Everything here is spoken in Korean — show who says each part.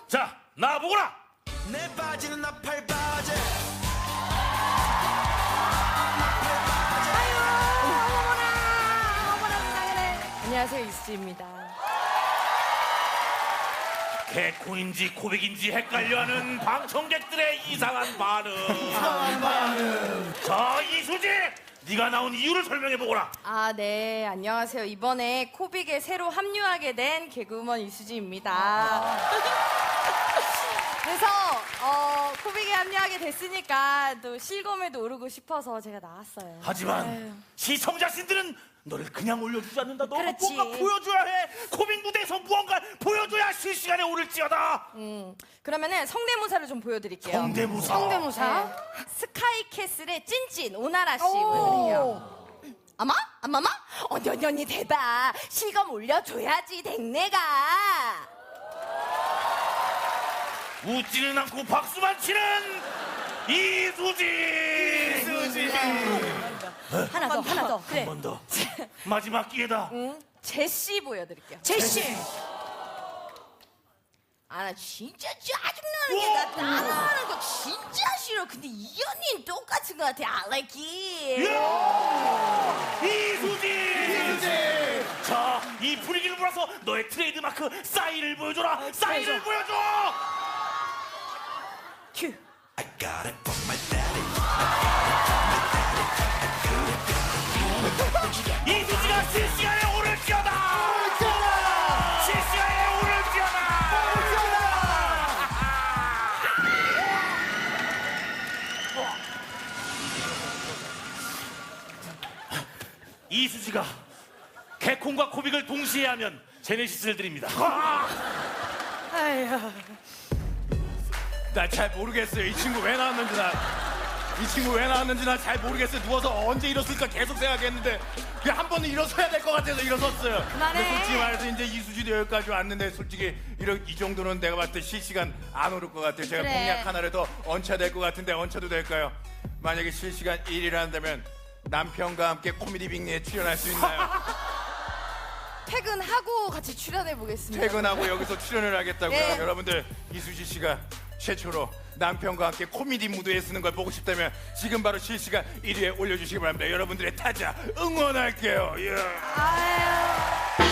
Speaker 1: 자, 나보거라.
Speaker 2: 내 바지는 나팔 바지.
Speaker 3: 안녕하세요, 이수지입니다.
Speaker 1: 개콘인지 코빅인지 헷갈려하는 방청객들의 이상한 반응. 자, 이수지, 네가 나온 이유를 설명해보거라.
Speaker 3: 아, 네, 안녕하세요. 이번에 코빅에 새로 합류하게 된 개그우먼 이수지입니다. 그래서 코빅에 합류하게 됐으니까 또 실검에도 오르고 싶어서 제가 나왔어요.
Speaker 1: 하지만 시청자신들은 너를 그냥 올려주지 않는다. 너가
Speaker 3: 그렇지.
Speaker 1: 뭔가 보여줘야 해. 코믹 무대에서 무언가 보여줘야 실시간에 오를지어다.
Speaker 3: 그러면은 성대모사를 좀 보여드릴게요.
Speaker 1: 성대모사.
Speaker 3: 네. 스카이캐슬의 찐찐 오나라 씨 보여드릴게요. 아마? 아마마? 언니 대박. 실검 올려줘야지 댕내가.
Speaker 1: 웃지는 않고 박수만 치는 이수지.
Speaker 3: 하나 더. 그래.
Speaker 1: 한 번 더. 마지막 기회다.
Speaker 3: 제시 보여드릴게요.
Speaker 4: 제시.
Speaker 3: 아, 나 진짜 짜증나는 게 나 따라하는 거 진짜 싫어. 근데 이 언니는 똑같은 것 같아. I like it.
Speaker 1: 이수지. 자, 이 분위기를 몰아서 너의 트레이드마크 싸이를 보여줘라. 싸이를 보여줘.
Speaker 3: 큐.
Speaker 1: 이수지가 실시간에 오를지어다. 실시간에 오를지어다. 이수지가 개콘과 코빅을 동시에 하면 제네시스를 드립니다.
Speaker 5: 나 잘 모르겠어요. 이 친구 왜 나왔는지 나 잘 모르겠어요. 누워서 언제 일었을까 계속 생각했는데 그냥 한 번은 일어서야 될 것 같아서 일어섰어요.
Speaker 3: 그만해.
Speaker 5: 근데 솔직히 말해서 이제 이수지도 여기까지 왔는데 솔직히 이 정도는 내가 봤을 때 실시간 안 오를 것 같아요. 제가
Speaker 3: 그래.
Speaker 5: 공약 하나를 더 얹혀야 될 것 같은데 얹혀도 될까요? 만약에 실시간 1위를 한다면 남편과 함께 코미디 빅리에 출연할 수 있나요?
Speaker 3: 퇴근하고 같이 출연해 보겠습니다.
Speaker 5: 퇴근하고 여기서 출연을 하겠다고요.
Speaker 3: 네.
Speaker 5: 여러분들 이수지 씨가 최초로 남편과 함께 코미디 무대에 쓰는 걸 보고 싶다면 지금 바로 실시간 1위에 올려주시기 바랍니다. 여러분들의 타자 응원할게요. 예.
Speaker 3: 아유.